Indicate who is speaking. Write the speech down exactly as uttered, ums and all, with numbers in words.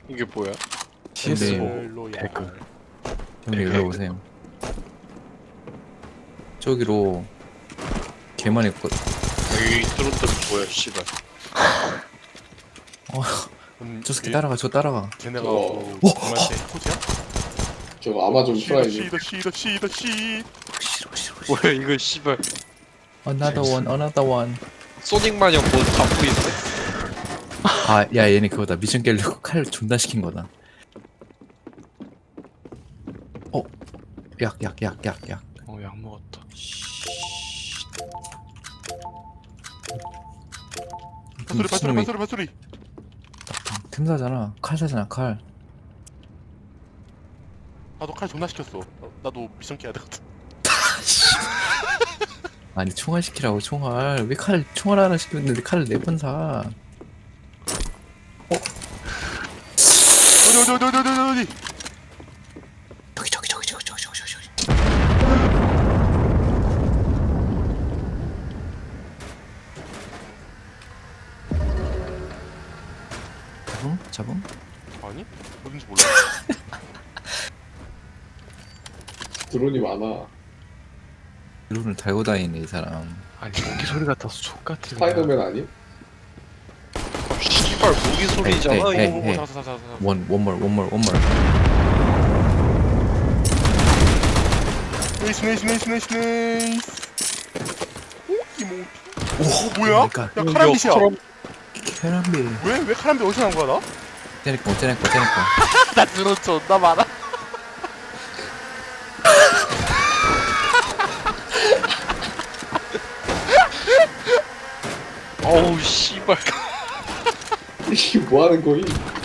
Speaker 1: 이게 뭐야?
Speaker 2: 씨에스 오
Speaker 3: 로얄.
Speaker 2: 배그. 형님 일로 오세요. 저기로 개 많이 거.
Speaker 1: 여기 트로트는 뭐야 씨발.
Speaker 2: 어,
Speaker 3: 음,
Speaker 2: 저 새끼
Speaker 3: 얘-
Speaker 2: 따라가, 저 따라가.
Speaker 3: 걔네가
Speaker 4: 어.
Speaker 3: 뭐 정말대 코지야?
Speaker 4: 저거 아마존
Speaker 3: 시더
Speaker 4: 프라이즈.
Speaker 3: 시더 시더 시더 시.
Speaker 2: 싫어, 싫어, 싫어.
Speaker 1: 뭐야 이거 씨발.
Speaker 2: Another one, another one.
Speaker 1: 소닉 마냥 뭐 갖고 있네.
Speaker 2: 아, 야, 얘네 그거다. 미션 깨려고 칼 존나 시킨 거다. 어, 약, 약, 약, 약, 약.
Speaker 3: 어약 먹었다. 발소리 발소리
Speaker 2: 미친놈이
Speaker 3: 발소리 발소리.
Speaker 2: 틈사잖아. 칼 사잖아, 칼.
Speaker 3: 나도 칼 존나 시켰어. 어, 나도 미션 깨야 되거든.
Speaker 2: 아니 총알 시키라고 총알. 왜 칼 총알 하나 시켰는데 칼을 네 번 사?
Speaker 3: 어디 어디 어디 어디 어디 어디.
Speaker 2: 저기 저기 저기 저기 저기 저기 저기. 잡음? 잡음?
Speaker 3: 아니? 어딘지 몰라.
Speaker 4: 드론이 많아.
Speaker 2: 드론을 달고 다니네 이 사람.
Speaker 5: 아니 모기 소리 같아서 족같아.
Speaker 4: 스파이더맨 아님?
Speaker 1: 씨발 무기 소리잖아
Speaker 2: 에이, 에이,
Speaker 1: 이거.
Speaker 2: 에이.
Speaker 3: 오, 잡았어 잡았어 잡았어.
Speaker 2: 원 원몰 원몰 원몰.
Speaker 3: 네이스 네이스 네이스 네이스 네이스. 오 이모.
Speaker 2: 오
Speaker 3: 뭐야? 야 카람빗이야.
Speaker 2: 캐런비.
Speaker 3: 왜? 왜 카람빗 어디서 난 거야 나?
Speaker 2: 째내꺼 째내꺼 째내꺼.
Speaker 3: 나 드론 존나 많아.
Speaker 1: 어우 씨발.
Speaker 4: 이게 뭐 하는 거임?